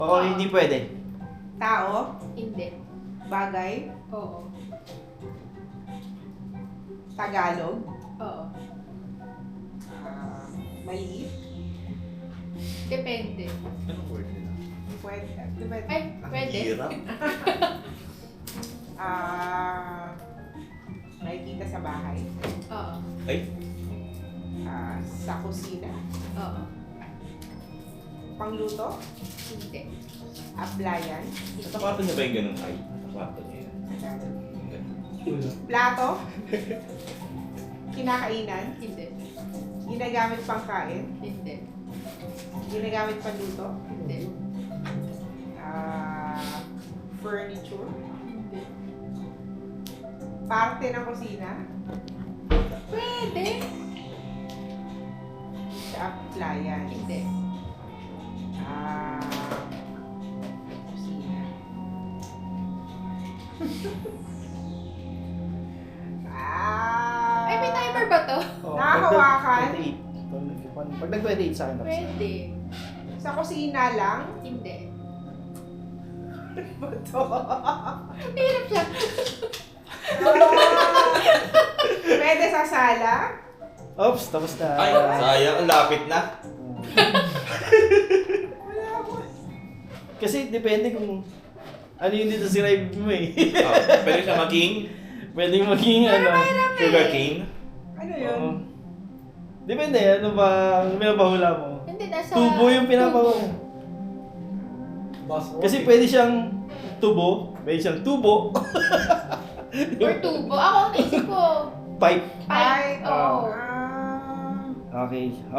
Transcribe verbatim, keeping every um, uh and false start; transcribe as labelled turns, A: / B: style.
A: Oo, hindi pwede.
B: Tao?
C: Hindi.
B: Bagay?
C: Oo.
B: Tagalog?
C: Oo.
B: Ah, maliit?
C: Depende.
D: Anong word nila?
B: Pwede. Depende.
C: Ay, pwede.
D: Hirap.
B: Ah, nakikita sa bahay?
C: Oo.
D: Ay,
B: Ah, sa kusina?
C: Oo.
B: Pangluto?
C: Hindi.
B: Aplayan?
D: sa kwarto niya ba yung ganun ay? Sa kwarto niya yan.
B: Plato? Kinakainan?
C: Hindi.
B: Ginagamit pang kain?
C: Hindi.
B: Ginagamit pang luto?
C: Hindi.
B: Ah, furniture?
C: Hindi.
B: Parte ng kusina?
C: Pwede.
B: Sa appliance?
C: Hindi.
B: Ah, kusina. ah,
C: Ay, may timer ba to?
A: Oo,
B: Nakahawakan?
A: twenty-eight. Pag nag-twenty-eight sa akin tapos.
C: Pwede.
B: Sa kusina lang?
C: Hindi.
B: Ba to?
C: Hirap siya.
B: Ah, pwede sa sala?
A: Oops, tapos na.
D: Ay, sayang. Ang lapit na.
B: Wala ko.
A: Kasi depende kung ano yung dito si Rive mo eh.
D: Oh, pwede siya maging
A: Pwedeng maging ano.
D: sugar cane.
B: Ano yun?
A: Oo. Depende, ano ba ang pinapahula mo?
C: Hindi, nasa...
A: Tubo yung pinapahula. Kasi pwede siyang tubo, pwede siyang tubo,
C: Or tubo. Ako ang naisip ko.
A: pipe.
C: Pipe. Oo.
B: Ah.
A: Okay.